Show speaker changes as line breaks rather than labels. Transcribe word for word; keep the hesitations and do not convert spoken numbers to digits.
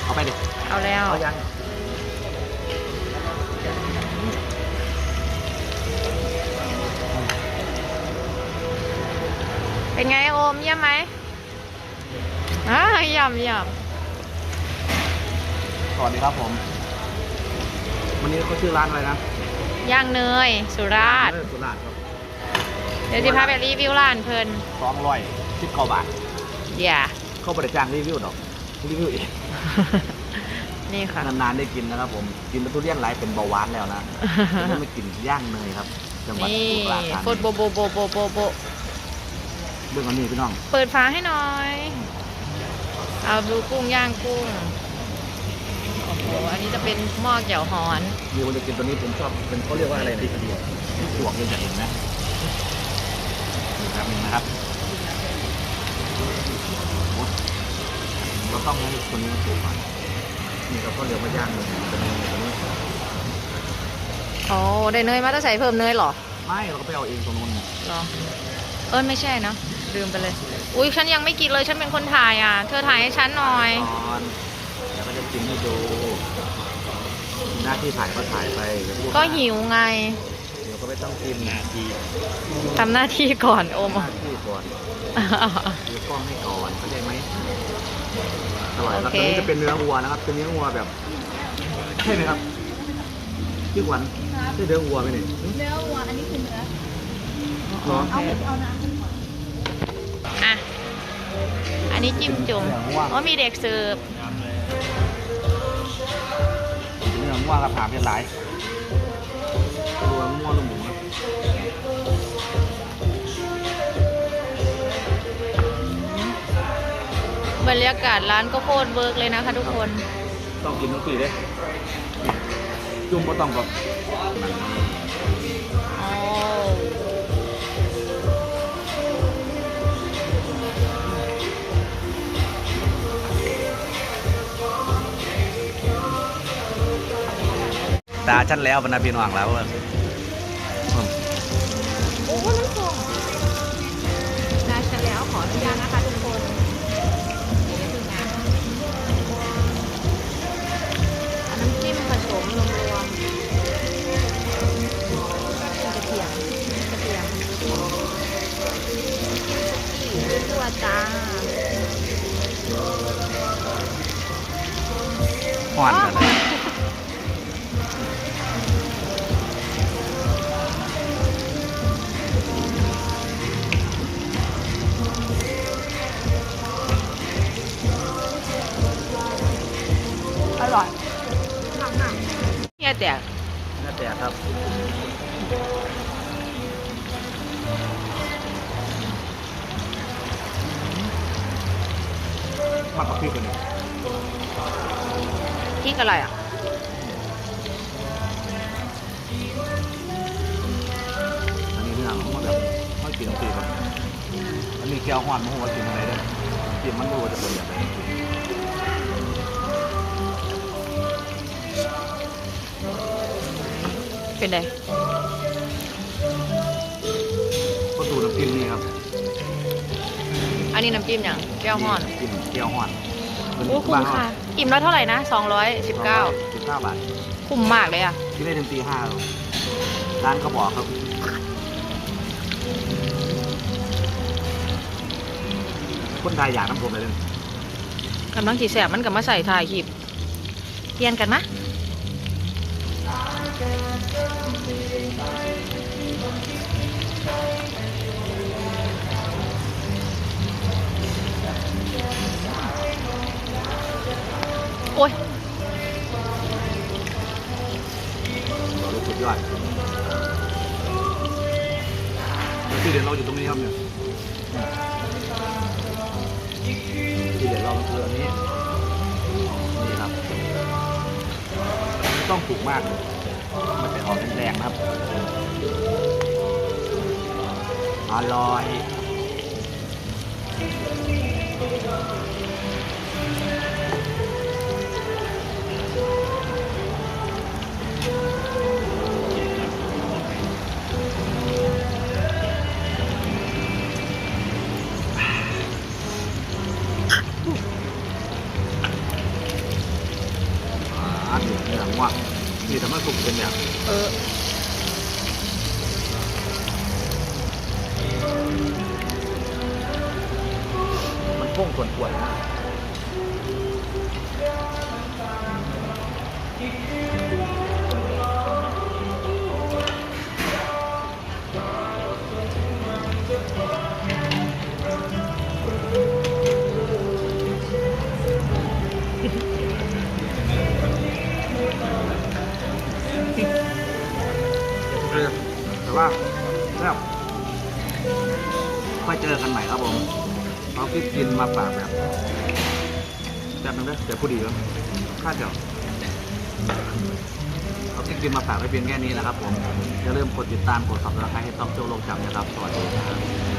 เอาไปดิ
เอาแล้ว
เอายัง
เป็นไงโอมเยี่ยมไหมอ่าเยี่ยมเยี่ยม
สวัสดีครับผมวันนี้เขาชื่อร้านอะไรนะ
ย่างเนยสุราษฎร์
สุราษฎร์ครับ
เดี๋ยวจะพาไปรีวิวร้านเพลิน
สองร้อยสิบเก้าบาท
อย่า
เข้าบริจาครีวิวดอกรีวิวเอง
นี่ค่ะ
นานๆได้กินนะครับผมกินทุเรียนไหลเป็นเบาหวานแล้วนะยังไม่กินย่างเนยครับจังหวัดสุราษฎร์ธานี
โฟดโบโบโบโบโบโบ
เรื่องอันนี้พี่น้อง
เปิดฝาให้หน่อยเอาดูกุ้งย่างกุ้งโอ้โหอันนี้จะเป็นหม้อแจ่วฮ้อน
มีคนจะกินตัวนี้ผมชอบเป็นเขาเรียกว่าอะไรนะที่ดีที่สวกเลยจะเห็นนะครับนี่นะครับเราต้องให้คนนี้มาถูกก่อนนี่เราก็เรียกว่าย่างเลยจะมีตัวนี้
โอ้ได้เนยมาต้องใส่เพิ่มเนยหรอ
ไม่เราก็ไปเอาเองตรงนู้น
หรอเออไม่ใช่เนาะลืมไปเลยอุ้ยฉันยังไม่กินเลยฉันเป็นคนถ่ายอ่ะเธอถ่ายให้ฉันหน่อย
เดี๋ยวก็จะกินให้ดูหน้าที่ถ่ายก็ถ่ายไป
ก็หิวไง
เดี๋ยวก็ไม่ต้องกินหน้าที่
ทำหน้าที่ก่อนโอม
หน้าที่ก่อนเดี๋ยวกล้องให้ก่อนเข้าใจไหมอร่อยครับตัวนี้จะเป็นเนื้อวัวนะครับเป็นเนื้อวัวแบบใช่ไหมครับพี่ขวัญใช่เนื้อวัวไหมเนี่ย
เนื้อวัวอันนี้คือเนื้อ
เอา
เอาน้ำ
อ่ะอันนี้จิ้มจุ่มว่ามีเด็กเสิร์ฟ
เนื้อวัวกับผามเป็นหลายตัววัวลูกหมูนะ
บรรยากาศร้านก็โคตรเวิร์กเลยนะคะทุกคน
ต้องกินทั้งปีเลยจุ่มก็ต้องแบบตาชั้นแล้วบรรดาพี่น้องแล้ว
โอ้น้ำส้มตาชั้นแล้วขออนุญาตนะคะทุกคนเดี๋ยวพึ่งนะน้ำจิ้มผสมรวมๆกระเทียมกระเทียมตัวจ้า
หวานเลย
อร่อยเนี่ยแต่
เนี่ยแต่ครับมากกว่าพี่คนนี้
พริกอะไรอ่ะ
อันนี้เนื้อมันแบบไม่กินตีมันอันนี้แก้วหวานมันหัวกินอะไรได้กินมันรู้ว่าจะเป็นอย่างไร
เป็นไง
ก็ดูน้ำจิ้มนี่ครับ
อันนี้น้ำจิ้มอย่างแก้วห่อน
จิ้มแก้วห่อน
โอ้คุ้มค่ะอิ่มแล้วเท่าไหร่นะสองร้อยสิบเก้า
สิบเก้าบาท
คุ้มมากเลยอ่ะ
ที่ได้ถึงตีห้าร้านเขาบอกครับคนไทยอยากน้ำผมเลย
กำลังจีแสบมันกับมาใส่ถ่ายคลิปเปลี่ยนกันนะโอ้ย
สุดยอดที่เดี๋ยวเราอยู่ตรงนี้ครับเนี่ยที่เดี๋ยวเราคืออันนี้นี่ครับต้องถูกมากมันจะออกแรงๆครับอร่อยอันนี้เนื้องัวนี่ทำให้สุกเป็นเนี่ย
เออ
มันพุ่งส่วนป่วยนะแต่ว่าแล้วค่อยเจอกันใหม่ครับผมเอาคลิปกินมาฝากแบบแบบนึงนะเดี๋ยวพูดดีแล้วคาดเดี๋ยวเอาคลิปกินมาฝากไว้เพียงแค่นี้นะครับผมอย่าลืมกดติดตามกดซับสไครต์ให้ต้องโจ้โลกจำนะครับสวัสดีครับ